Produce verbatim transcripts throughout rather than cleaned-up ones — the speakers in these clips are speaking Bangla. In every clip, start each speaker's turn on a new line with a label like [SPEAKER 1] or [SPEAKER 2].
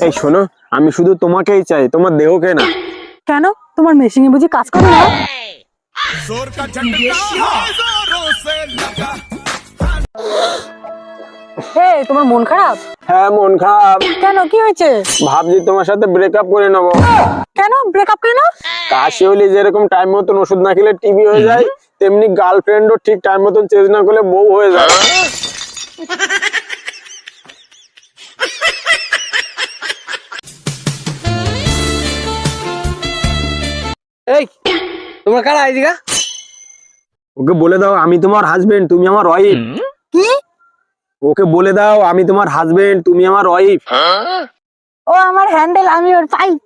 [SPEAKER 1] এই শোনো, আমি শুধু তোমাকেই চাই, তোমার দেহকে না।
[SPEAKER 2] কেন, তোমার মেশিনে বুঝি কাজ করে না? এই, তোমার মন খারাপ?
[SPEAKER 1] হ্যাঁ, মন খারাপ।
[SPEAKER 2] কেন, কি হয়েছে?
[SPEAKER 1] ভাবছি তোমার সাথে ব্রেকআপ করে নেবো।
[SPEAKER 2] কেন ব্রেকআপ কেন?
[SPEAKER 1] কাশি হলে যেরকম টাইম মতন ওষুধ না খেলে টিবি হয়ে যায়, তেমনি গার্লফ্রেন্ডও ঠিক টাইম মতন চেঞ্জ না করলে বউ হয়ে যায়।
[SPEAKER 3] এই তোমরা কারা আইদিকা?
[SPEAKER 1] ওকে বলে দাও আমি তোমার হাজবেন্ড, তুমি আমার ওয়াইফ।
[SPEAKER 2] কি?
[SPEAKER 1] ওকে বলে দাও আমি তোমার হাজবেন্ড, তুমি আমার ওয়াইফ।
[SPEAKER 2] ও আমার হ্যান্ডেল, আমি ওর পাইপ।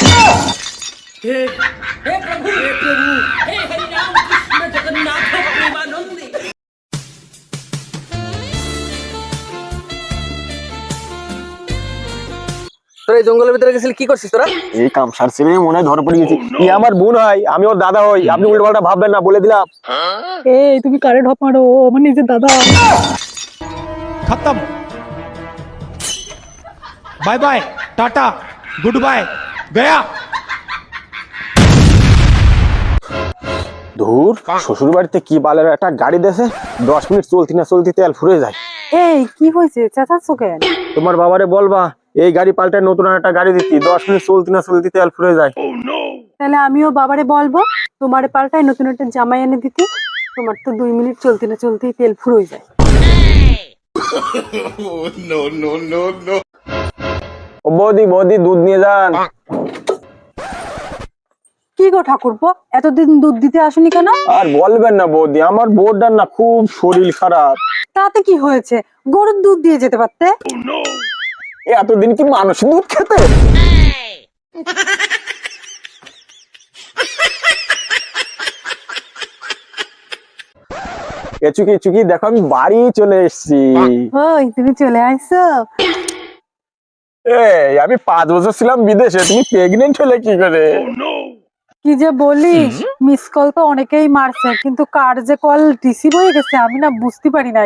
[SPEAKER 3] তোরা এই জঙ্গলের ভিতরে গেছিলি, কি করছিস তোরা?
[SPEAKER 1] এই কামসার ছেলে মনে হয় ধরা পড়ে গেছি। ই আমার বোন হয়, আমি ওর দাদা হই, আপনি উল্টো পাল্টা ভাববেন না, বলে দিলাম।
[SPEAKER 2] এই তুমি কারে ঢপ মারো, ও আমার নিজের দাদা।
[SPEAKER 4] खत्म bye bye tata good bye गया।
[SPEAKER 1] ধুর, শ্বশুর বাড়িতে কি বালের একটা গাড়ি দেছে, দশ মিনিট চলতি না চলতি তেল ফুরে যায়।
[SPEAKER 2] এই কি হয়েছে, চেঁচাচ্ছ কেন?
[SPEAKER 1] তোমার বাবারে বলবা এই গাড়ি পাল্টায় নতুন একটা গাড়ি দিচ্ছি, দশ মিনিট চলতি না চলতি তেল ফুরে যায়।
[SPEAKER 2] তাহলে আমিও বাবারে বলবো তোমার পাল্টায় নতুন একটা জামাই এনে দিতে, তোমার তো দুই মিনিট চলতে না চলতেই তেল ফুরোই যায়।
[SPEAKER 1] ও বৌদি, বৌদি দুধ নিয়ে যান।
[SPEAKER 2] কি গো ঠাকুরপো, এতদিন দুধ দিতে আসেনি কেন?
[SPEAKER 1] আর বলবেন না বৌদি, আমার বউটার না খুব শরীর খারাপ।
[SPEAKER 2] তাতে কি হয়েছে, গরুর দুধ দিয়ে যেতে পারতে।
[SPEAKER 1] এতদিন কি মানুষ দুধ খেতে? এ চুকি চুকি দেখো, আমি বাড়ি চলে এসেছি।
[SPEAKER 2] ওই তুমি চলে আইছো?
[SPEAKER 1] এই আমি পাঁচ বছর ছিলাম বিদেশে, তুমি প্রেগনেন্ট হলে কি করে?
[SPEAKER 2] কি যে বলিস, মিস কল তো অনেকেই মারছে, কিন্তু কার যে কল রিসিভ হয়ে গেছে আমি না বুঝতে পারি নাই।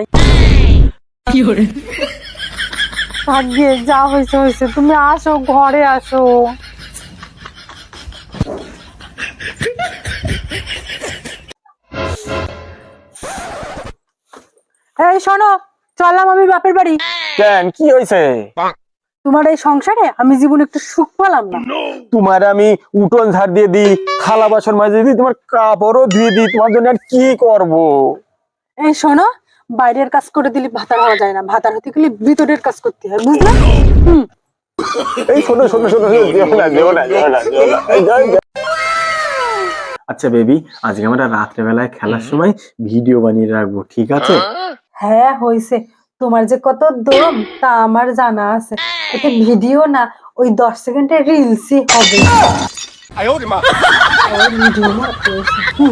[SPEAKER 2] ভাগ্যে যা হয়েছে হয়েছে, তুমি আসো, ঘরে আসো। এই শোনো, চললাম আমি বাপের বাড়ি।
[SPEAKER 1] কেন, কি হয়েছে?
[SPEAKER 2] তোমার এই সংসারে আমি জীবনে একটু সুখ পেলাম না।
[SPEAKER 1] তোমার আমি উঠোন ঝাড় দিয়ে দিই, থালা বাসন মাঝে দিই, তোমার কাপড়ও ধুয়ে দিই, তোমার জন্য আর কি করব?
[SPEAKER 2] এই শোনো, বাইরের কাজ করে দিলে ভাতার হওয়া যায় না, ভাতার হতে গেলে ভিতরের কাজ করতে হয়, বুঝলে? হুম।
[SPEAKER 1] এই শোনো শোনো শোনো শোনো, যেও না যেও না যেও না যেও না। এই যাও, যাও। আচ্ছা বেবি, আজকে আমরা রাত্রেবেলায় খেলার সময় ভিডিও বানিয়ে রাখবো, ঠিক আছে?
[SPEAKER 2] হ্যাঁ হয়েছে, তোমার যে কত দম তা আমার জানা আছে। এটা ভিডিও না, ওই দশ সেকেন্ডের রিলসই হবে। ওই ভিডিও না, হয়েছে। হুম।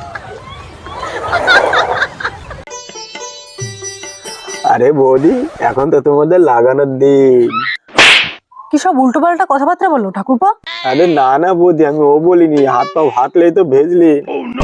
[SPEAKER 1] আরে বৌদি, এখন তো তোমাদের লাগানোর দিন।
[SPEAKER 2] কি সব উল্টো পাল্টা কথাবার্তা বলো ঠাকুরপো?
[SPEAKER 1] আরে না না বৌদি, আমি ও বলিনি, হাত পা হাতলেই তো ভেজলি।